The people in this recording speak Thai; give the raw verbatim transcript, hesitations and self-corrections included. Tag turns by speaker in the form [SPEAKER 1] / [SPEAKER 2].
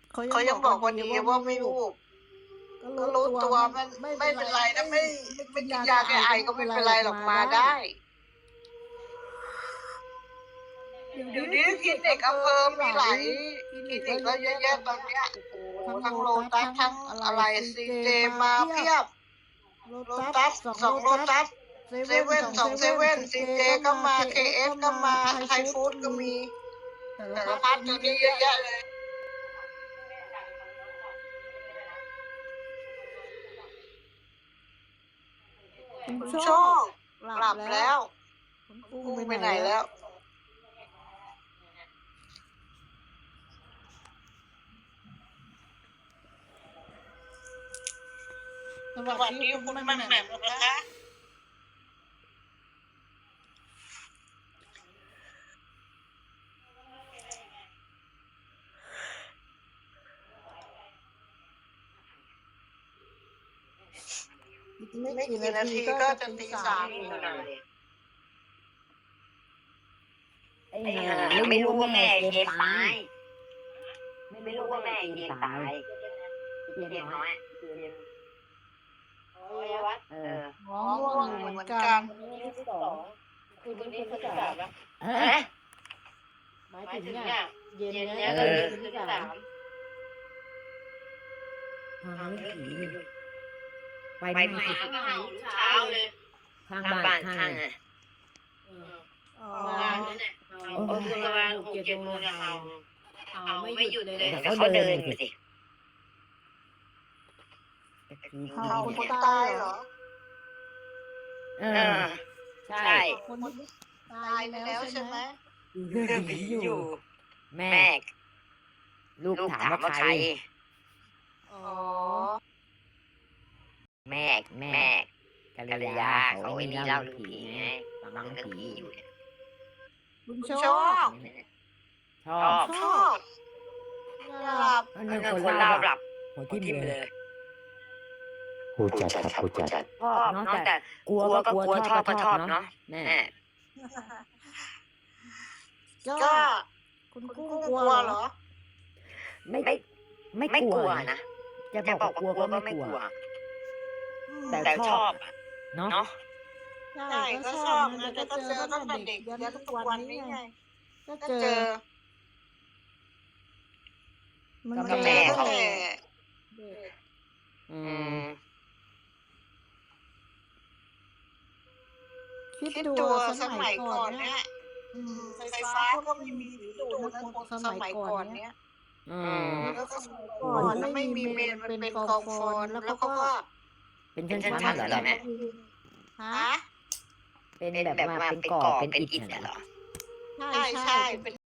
[SPEAKER 1] เขายังบอกว่าดีว่าไม่วูบก็รู้ตัวมันไม่เป็นไรนะไม่ไม่กินยาแก้ไอก็ไม่เป็นไรหรอกมาได้เดี๋ยวนี้คลินิกอำเภอมีหลายคลินิกก็เยอะแยะตอนเนี้ยทั้งโลตัสทั้งอะไรซีเจมาเพียบโลตัสสองโลตัสเซเว่นสองเซเว่นซีเจก็มาเคเอฟก็มาไทยฟู้ดก็มีแต่ละพัดตอนนี้เยอะแยะเลยคุณโชคหลับแล้วคุณกุ้งไปไหนแล้วสวัสดีคุณแม่แหม่มนะคะไม่กี่นาทีก็จะตีสามอยู่นะ
[SPEAKER 2] ไอ้ห่าไม่รู้ว่าแม่เกมตายไม่รู้ว่าแม่เกมตายเกมน้อยเกมเออ
[SPEAKER 1] น้องง่วงเหมือนกัน
[SPEAKER 2] ที่สองคืนนี้คืนที่สามแล้วหมายถึงเนี่ยเย็นเนี้ยคืนที่สามหาไม่ผีไปไม่มาก็เห่าเช้าเลยข้างบ้านข้างอ่ะอ๋อเออประมาณหกเจ็ดโมงเนี่ยเห่าเห่าไม่หยุดเลยแต่เขาเดินไปสิ
[SPEAKER 1] เห่าคนตายเหรอ
[SPEAKER 2] เออใช่
[SPEAKER 1] คนตายไปแล้วใช่ไหม
[SPEAKER 2] เรื่องผีอยู่แม่ลูกถามว่าใคร
[SPEAKER 1] อ๋อ
[SPEAKER 2] แม่แม่กัลยาเขาไอ้นี่เล่าเรื่องผีไงฟังเรื่องผีอยู่เนี่ย
[SPEAKER 1] คุณชอบ
[SPEAKER 2] ชอบ
[SPEAKER 1] ชอบหลับ
[SPEAKER 2] หนึ่งคนเล่าหลับหัวทิ่มเลย
[SPEAKER 3] หูจัดครับหูจัด
[SPEAKER 2] ชอบเนาะแต่กลัวก็กลัวชอบก็ชอบเนาะแม่
[SPEAKER 1] ก็คุณกุ้งกลัวเหรอ
[SPEAKER 2] ไม่ไม่ไม่กลัวนะจะบอกกลัวก็ไม่กลัวแต่ชอบเนาะ
[SPEAKER 1] ใช่ก็ชอบนะแต่ก็เจอตั้งแต่เด็กยันทุกวันนี้ไงก็เจอมันแม่เขา
[SPEAKER 2] อืม
[SPEAKER 1] คิดดูสมัยก่อนเนี่ยไฟฟ้าก็ไม่มีดูดนะสมัยก่อนเนี่ยก่อนไม่มีเมนมันเป็นกองฟอนแล้วก็
[SPEAKER 2] เป็นชั้นๆเหรอแม่
[SPEAKER 1] ฮะ
[SPEAKER 2] เป็นแบบว่าเป็นก่อเป็นอิฐเหรอ
[SPEAKER 1] ใช่ใช่เป็น